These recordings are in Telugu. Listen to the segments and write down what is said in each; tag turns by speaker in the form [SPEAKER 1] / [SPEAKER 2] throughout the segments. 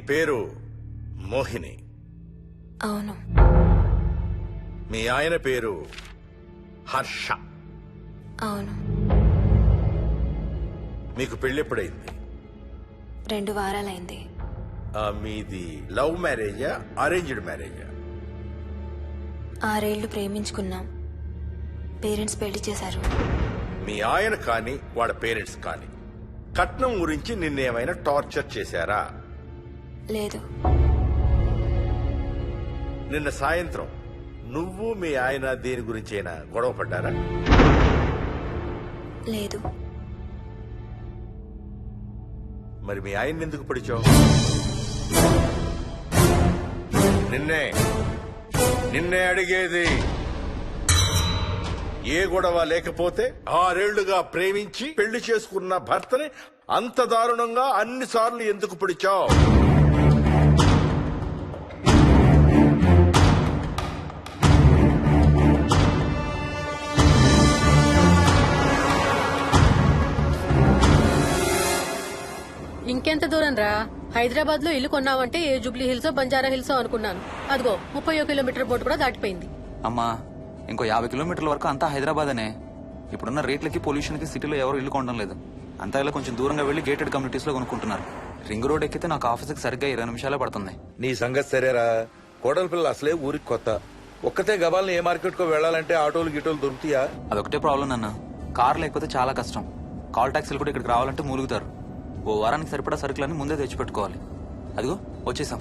[SPEAKER 1] పేరు మోహిని.
[SPEAKER 2] అవును.
[SPEAKER 1] మీ ఆయన పేరు హర్ష.
[SPEAKER 2] అవును.
[SPEAKER 1] మీకు పెళ్ళెప్పుడైంది?
[SPEAKER 2] 2 వారాలైంది.
[SPEAKER 1] మీది లవ్ మ్యారేజా అరేంజ్డ్ మ్యారేజా?
[SPEAKER 2] 6 ఏళ్లు ప్రేమించుకున్నాం. పేరెంట్స్ పెళ్లి చేశారు.
[SPEAKER 1] మీ ఆయన కానీ వాళ్ళ పేరెంట్స్ కానీ కట్నం గురించి నిన్నేమైనా టార్చర్ చేశారా?
[SPEAKER 2] లేదు.
[SPEAKER 1] నిన్న సాయంత్రం నువ్వు మీ ఆయన దేని గురించైనా గొడవ పడ్డారా?
[SPEAKER 2] లేదు.
[SPEAKER 1] మరి మీ ఆయన ఎందుకు పిడిచావు? నిన్నే అడిగేది. ఏ గొడవ లేకపోతే 6 ఏళ్లుగా ప్రేమించి పెళ్లి చేసుకున్న భర్తని అంత దారుణంగా అన్నిసార్లు ఎందుకు పిడిచావు?
[SPEAKER 3] ఇంకెంత దూరం రా? హైదరాబాద్ లో ఇల్లు కొన్నావంటే ఏ జూబ్లీ హిల్సో బంజారా హిల్సో అనుకున్నాను. అదిగో 31 కిలోమీటర్ బోర్డు కూడా దాటిపోయింది.
[SPEAKER 4] అమ్మా, ఇంకో 50 కిలోమీటర్ల వరకు అంతా హైదరాబాద్ అనే. ఇప్పుడున్న రేట్లకి పొల్యూషన్ కి సిటీలో ఎవరు ఇల్లు కొనడం లేదు. అంతా ఇలా కొంచెం దూరంగా వెళ్లి గేటెడ్ కమ్యూనిటీస్ లో కొనుక్కుంటున్నారు. రింగ్ రోడ్ ఎక్కితే నాకు ఆఫీస్కి సరిగ్గా 20 నిమిషాలే పడుతుంది.
[SPEAKER 5] నీ సంగతి సరేరా, కోడల పిల్ల అసలే ఊరికి కొత్త. ఒక్కతే గబాల్ని ఏ మార్కెట్ కో వెళ్లాలంటే ఆటోలు గిటోలు దొరుకుతాయా?
[SPEAKER 4] అదొకటే ప్రాబ్లం నాన్న. కార్ లేకపోతే చాలా కష్టం. కాల్ టాక్సీలు కూడా ఇక్కడికి రావాలంటే మూలుగుతారు. ఓ వారానికి సరిపడా సరుకులన్నీ ముందే తెచ్చిపెట్టుకోవాలి. అదిగో వచ్చేసాం.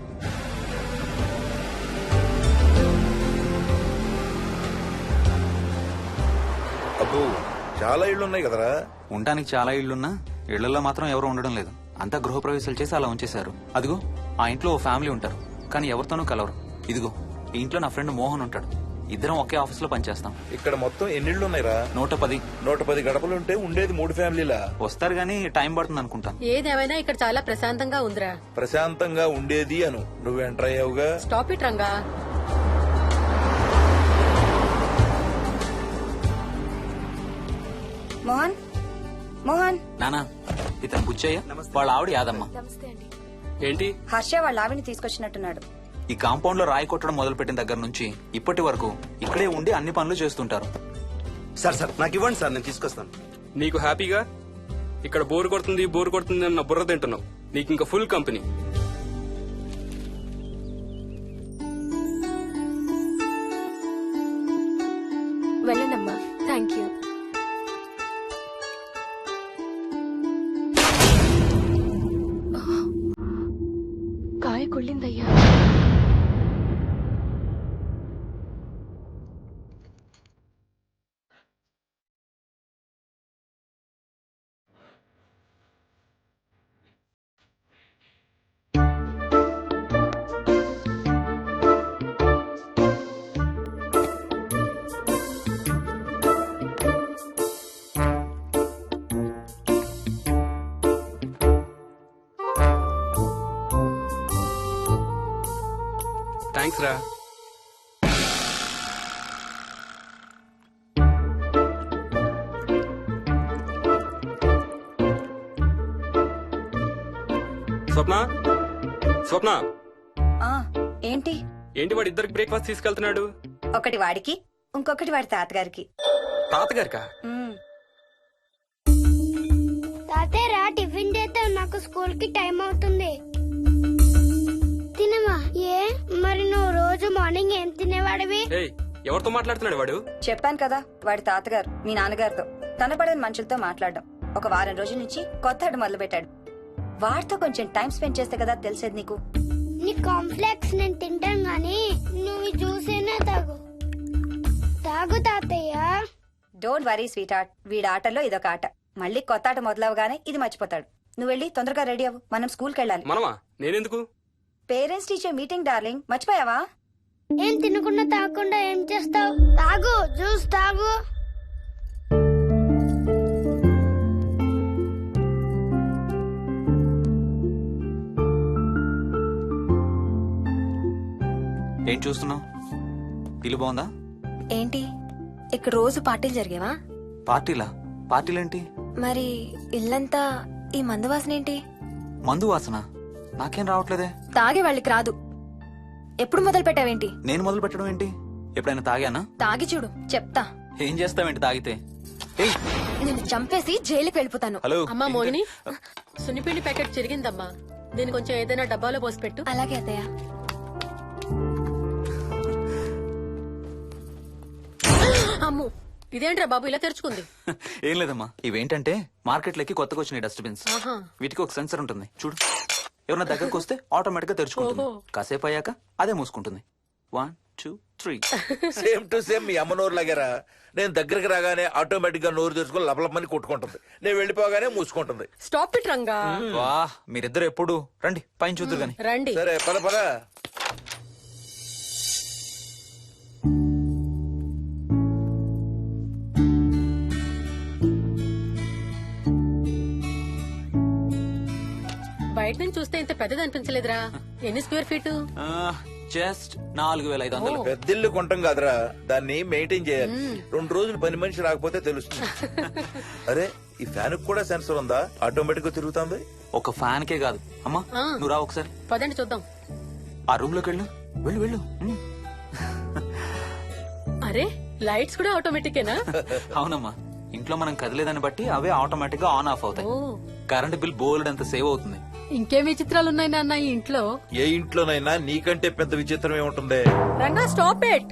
[SPEAKER 5] అబ్బో, చాలా ఇళ్లున్నాయి కదరా.
[SPEAKER 4] ఉండటానికి చాలా ఇళ్లున్నా ఇళ్లలో మాత్రం ఎవరు ఉండడం లేదు. అంతా గృహప్రవేశాలు చేసి అలా ఉంచేశారు. అదిగో ఆ ఇంట్లో ఓ ఫ్యామిలీ ఉంటారు, కానీ ఎవరితోనూ కలవరు. ఇదిగో ఈ ఇంట్లో నా ఫ్రెండ్ మోహన్ ఉంటాడు. ఇద్దరం ఒకే ఆఫీస్ లో పనిచేస్తాం.
[SPEAKER 5] ఇక్కడ మొత్తం ఎన్నిళ్లున్నాయిరా?
[SPEAKER 4] 110.
[SPEAKER 5] 110 గడపలుంటే ఉండేది 3 ఫ్యామిలీలా.
[SPEAKER 4] వస్తారు గానీ టైం పడుతుంది అనుకుంటా.
[SPEAKER 3] ఏదేమైనా ఇక్కడ చాలా ప్రశాంతంగా ఉందిరా.
[SPEAKER 5] ప్రశాంతంగా ఉండేది అను, నువ్వు ఎంటర్ అయ్యావుగా.
[SPEAKER 3] Stop it Ranga.
[SPEAKER 6] మోహన్, మోహన్.
[SPEAKER 4] నానా, ఇతను బుచ్చయ్య, వాళ్ళ ఆవిడ యాదమ్మ.
[SPEAKER 7] ఏంటి?
[SPEAKER 6] హర్ష వాళ్ళ ఆవిని తీసుకొచ్చినట్టున్నాడు.
[SPEAKER 4] ఈ కాంపౌండ్ లో రాయి కొట్టడం మొదలు పెట్టిన దగ్గర నుంచి ఇప్పటి వరకు ఇక్కడే ఉండి అన్ని పనులు చేస్తుంటారు.
[SPEAKER 8] సార్ నాకు ఇవ్వండి సార్, నేను తీసుకొస్తాను.
[SPEAKER 7] నీకు హ్యాపీగా ఇక్కడ బోర్ కొడుతుంది అన్న బుర్ర తింటున్నావు. నీకు ఇంకా ఫుల్ కంపెనీ.
[SPEAKER 2] వెళ్ళండమ్మా. Thank you. కాయ కుళ్ళిందయ్యా.
[SPEAKER 7] థ్యాంక్స్ రా. స్వప్న
[SPEAKER 6] ఆ ఏంటి?
[SPEAKER 7] వాడి ఇద్దరికి బ్రేక్ఫాస్ట్ తీసుకెళ్తున్నాడు.
[SPEAKER 6] ఒకటి వాడికి, ఇంకొకటి వాడి తాతగారికి.
[SPEAKER 7] తాతగారికా?
[SPEAKER 9] తాతయ్య టిఫిన్ చేస్తే నాకు స్కూల్ కి టైం అవుతుంది. తినమా? ఏ మరి నువ్వు రోజు మార్నింగ్ ఏం తినేవాడివి?
[SPEAKER 7] ఎవరితో మాట్లాడుతున్నాడు వాడు?
[SPEAKER 6] చెప్పాను కదా, వాడి తాతగారు మీ నాన్నగారితో కనపడని మనుషులతో మాట్లాడడం. ఒక వారం రోజుల నుంచి కొత్త ఆడు మొదలు పెట్టాడు. వాడితో కొంచెం టైం స్పెండ్ చేస్తే కదా తెలిసేది నీకు.
[SPEAKER 9] నీ కాంప్లెక్స్ నేను తింటాను గానీ నువ్వు జ్యూసేనే తాగు తాతయ్య.
[SPEAKER 6] డోంట్ వరీ స్వీట్ హార్ట్, వీడి ఆటల్లో ఇదొక ఆట. మళ్ళీ కొత్త ఆట మొదలవగానే ఇది మర్చిపోతాడు. నువ్వు వెళ్ళి తొందరగా రెడీ అవ్వు, మనం స్కూల్కి వెళ్ళాలి.
[SPEAKER 7] మనమా? నేనెందుకు?
[SPEAKER 6] పేరెంట్స్ టీచర్ మీటింగ్ డార్లింగ్, మర్చిపోయావా?
[SPEAKER 9] ఏం తినకుండా తాగకుండా ఏం చేస్తావు? తాగు, జ్యూస్ తాగు.
[SPEAKER 4] ఏం చూస్తున్నావు? ఇల్లు బాగుందా?
[SPEAKER 2] ఏంటి ఇక్కడ రోజు పార్టీలు జరిగేవా?
[SPEAKER 4] పార్టీలా? పార్టీలేంటి?
[SPEAKER 2] మరి ఇల్లంతా ఈ మందు వాసన ఏంటి?
[SPEAKER 4] మందు వాసన? నాకేం రావట్లేదే.
[SPEAKER 2] తాగే వాళ్ళకి రాదు. ఎప్పుడు మొదలు పెట్టావేంటి?
[SPEAKER 4] నేను మొదలు పెట్టడం ఏంటి? ఎప్పుడైనా తాగానా?
[SPEAKER 2] తాగి చూడు, చెప్తా.
[SPEAKER 4] ఏం చేస్తావేంటి తాగితే? ఏయ్,
[SPEAKER 2] నేను చంపేసి జైలుకి వెళ్ళిపోతాను.
[SPEAKER 4] హలో.
[SPEAKER 3] అమ్మా మోహిని, సున్నిపిండి ప్యాకెట్ చిరిగిందమ్మా, దీని కొంచెం ఏదైనా డబ్బాలో పోసి పెట్టు.
[SPEAKER 2] అలాగే అత్తయ్య.
[SPEAKER 3] అమ్ము, ఇదేంట్రా బాబు ఇలా తెరుచుకుంది?
[SPEAKER 4] ఏం లేదమ్మా, ఇవేంటంటే మార్కెట్లోకి కొత్తగా వచ్చినాయి డస్ట్బిన్స్.
[SPEAKER 3] ఆహా.
[SPEAKER 4] వీటికి ఒక సెన్సర్ ఉంటుంది చూడు. ఎవరన్నా దగ్గరకు వస్తే ఆటోమేటిక్ గా తెరుచుకుంటుంది.
[SPEAKER 3] ఓహో.
[SPEAKER 4] కాసేపు అయ్యాక అదే మూసుకుంటుంది. 1 2 3.
[SPEAKER 5] సేమ్ టు సేమ్ మీ అమ్మ నోరు లాగారా. నేను దగ్గరికి రాగానే ఆటోమేటిక్ గా నోరు తెరుచుకొని లపలపని కొట్టుకుంటుంది. నేను వెళ్ళిపోగానే మూసుకుంటుంది.
[SPEAKER 3] Stop it Ranga.
[SPEAKER 4] వా, మీరిద్దరు ఎప్పుడు రండి పైన చూద్దరు గాని.
[SPEAKER 3] రండి.
[SPEAKER 5] సరే పద పద.
[SPEAKER 3] బయట నుంచి చూస్తే ఇంత పెద్దది అనిపించలేదురా. ఎన్ని స్క్వేర్ ఫీట్?
[SPEAKER 4] జస్ట్ 4500.
[SPEAKER 5] పెద్దిల్లు కొంటాం కాదురా, దాన్ని మెయింటైన్ చేయాలి. 2 రోజులు పని మనిషి రాకపోతే తెలుస్తుంది. అరే, ఈ ఫ్యాన్ కూడా సెన్సర్ ఉందా? ఆటోమేటిక్ గా తిరుగుతుంది.
[SPEAKER 4] ఒక ఫ్యాన్ కే కాదు. అమ్మా నువ్వు రా ఒకసారి.
[SPEAKER 3] పదండి చూద్దాం.
[SPEAKER 4] ఆ రూమ్ లోకి వెళ్ళు. వెళ్ళు వెళ్ళు.
[SPEAKER 3] అరే, లైట్స్ కూడా ఆటోమేటికేనా?
[SPEAKER 4] అవునమ్మా, ఇంట్లో మనం కదిలేదాన్ని బట్టి అవే ఆటోమేటిక్ గా ఆన్ ఆఫ్ అవుతాయి.
[SPEAKER 3] ఓ,
[SPEAKER 4] కరెంట్ బిల్ బోల్డ్ అంత సేవ్ అవుతుంది.
[SPEAKER 3] ఇంకేం విచిత్రాలు ఉన్నాయి నాన్న ఈ ఇంట్లో?
[SPEAKER 5] ఏ ఇంట్లోనైనా నీకంటే పెద్ద విచిత్రం ఏముంటుంది?
[SPEAKER 3] Ranga stop it.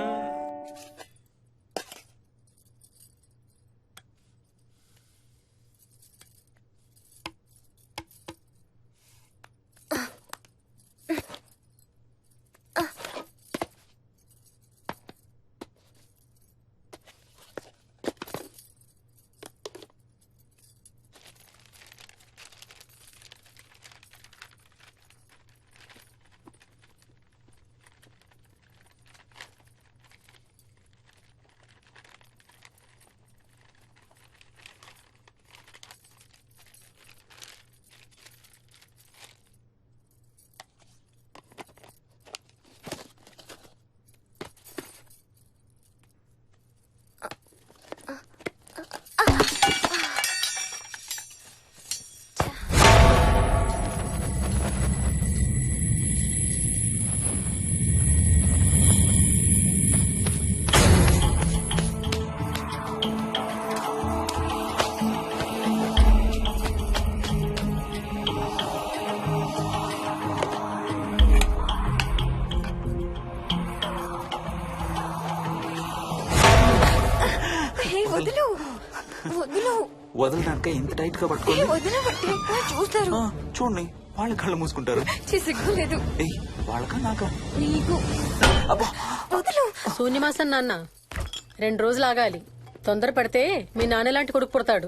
[SPEAKER 2] వదులు వదులు
[SPEAKER 4] వదలడానిక ఇంత టైట్ గా పట్టుకోండి.
[SPEAKER 2] వదిన చూస్తారు.
[SPEAKER 4] చూడండి, వాళ్ళ కళ్ళు మూసుకుంటారు.
[SPEAKER 2] సిగ్గులేదు
[SPEAKER 4] ఏయ్, వాళ్ళకా నాకా?
[SPEAKER 2] నీకు.
[SPEAKER 4] అబ్బా,
[SPEAKER 2] వదులు.
[SPEAKER 3] శూన్యమాసం నాన్న, 2 రోజులు ఆగాలి. తొందర పడితే మీ నాన్న లాంటి కొడుకు పుడతాడు.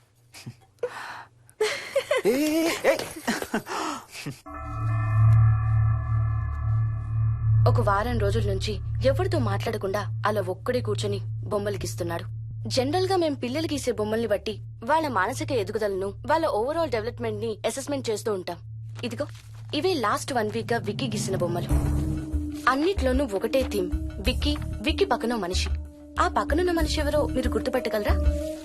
[SPEAKER 10] ఒక వారం రోజుల నుంచి ఎవరితో మాట్లాడకుండా అలా ఒక్కడే కూర్చొని బొమ్మలు గీస్తున్నాడు. జనరల్ గా మేం పిల్లలు గీసే బొమ్మల్ని బట్టి వాళ్ళ మానసిక ఎదుగుదలను, వాళ్ళ ఓవరాల్ డెవలప్మెంట్ ని అసెస్మెంట్ చేస్తూ ఉంటాం. ఇదిగో, ఇవే లాస్ట్ 1 వీక్ గా విక్కీ గీసిన బొమ్మలు. అన్నిట్లోనూ ఒకటే థీమ్, విక్కీ, విక్కీ పక్కన మనిషి. ఆ పక్కనున్న మనిషి ఎవరో మీరు గుర్తుపట్టగలరా?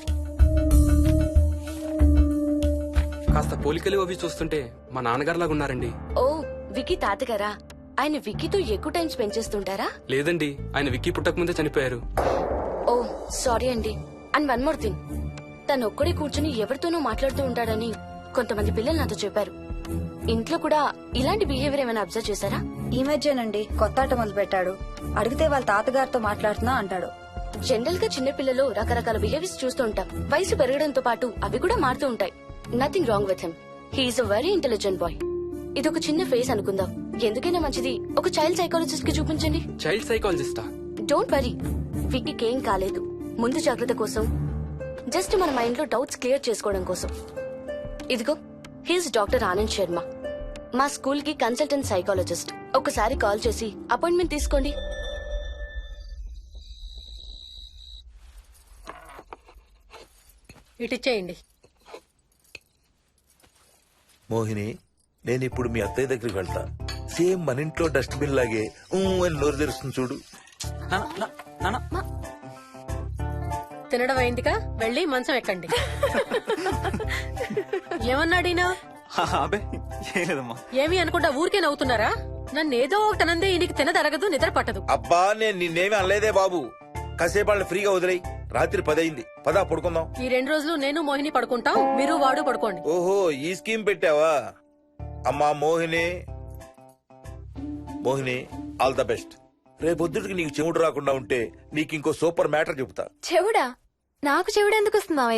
[SPEAKER 7] కాస్త పోలికలు అవి చూస్తుంటే మా నాన్నగారులాగా ఉన్నారండి.
[SPEAKER 10] ఓ, విక్కీ తాతగారా? ఆయన విక్కీతో ఎక్కువ టైం స్పెండ్ చేస్తుంటారా?
[SPEAKER 7] లేదండి, ఆయన విక్కీ పుట్టక ముందే చనిపోయారు.
[SPEAKER 10] ఓ, సారీ అండి. అండ్ 1 మోర్ థింగ్, తను ఒక్కడే కూర్చుని ఎవరితోనూ మాట్లాడుతూ ఉంటాడని కొంతమంది పిల్లలు నాతో చెప్పారు. ఇంట్లో కూడా ఇలాంటి బిహేవియర్ ఏమైనా అబ్జర్వ్ చేశారా?
[SPEAKER 6] ఈ మధ్యనండి కొత్త ఆట మొదలు పెట్టాడు. అడిగితే వాళ్ళ తాతగారితో మాట్లాడుతున్నా అంటాడు.
[SPEAKER 10] జనరల్ గా చిన్న పిల్లలు రకరకాల బిహేవియర్స్ చూస్తూ ఉంటాం. వయసు పెరగడంతో పాటు అవి కూడా మారుతూ ఉంటాయి. Nothing wrong with him. He's a very intelligent boy. ఇది ఒక చిన్న ఫేస్ అనుకుందాం. ఎందుకైనా మంచిది ఒక చైల్డ్ సైకాలజిస్ట్ కి చూపించండి.
[SPEAKER 7] చైల్డ్ సైకాలజిస్టా?
[SPEAKER 10] డోంట్ వరీ, విక్కీకి ఏం కాలేదు. ముందు జాగ్రత్త కోసం, జస్ట్ మన మైండ్ లో డౌట్స్ క్లియర్ చేసుకోవడం కోసం. ఇదిగో, హీస్ డాక్టర్ ఆనంద్ శర్మ, మా స్కూల్ కి కన్సల్టెంట్ సైకాలజిస్ట్. ఒకసారి కాల్ చేసి అపాయింట్మెంట్ తీసుకోండి.
[SPEAKER 3] ఇటిచ్చేయండి.
[SPEAKER 5] మోహిని, నేను ఇప్పుడు మీ అత్తయ్య దగ్గరికి వెళ్తా. సేమ్ మన ఇంట్లో డస్ట్బిన్ లాగే అని నోరు తెరుస్తుంది చూడు.
[SPEAKER 3] తినడం అయిందిగా, వెళ్ళి మంచం ఎక్కండి. ఏమన్నాడీనా?
[SPEAKER 4] అబే ఏం లేదమ్మా.
[SPEAKER 3] ఏమి అనుకుంటా ఊరికే నవ్వుతున్నారా? నన్ను ఏదో ఒకటి అనందే ఈయనకి తినదరగదు, నిద్ర పట్టదు.
[SPEAKER 5] అబ్బా నేను నిన్నేమి అనలేదే బాబు. కాసేపు వాళ్ళని ఫ్రీగా వదిలేయి. రాత్రి 10 అయింది. పదా పడుకుందాం.
[SPEAKER 3] ఈ 2 రోజులు నేను మోహిని పడుకుంటాం, మీరు వాడు పడుకోండి.
[SPEAKER 5] ఓహో ఈ స్కీమ్ పెట్టావా? అమ్మా Mohini, Mohini all the best. రేపొద్దుటికి నీకు చెవుడు రాకుండా ఉంటే నీకు ఇంకో సూపర్ మ్యాటర్ చెబుతా.
[SPEAKER 2] చెవుడా? నాకు చెవుడు ఎందుకు వస్తుంది మావయ్య?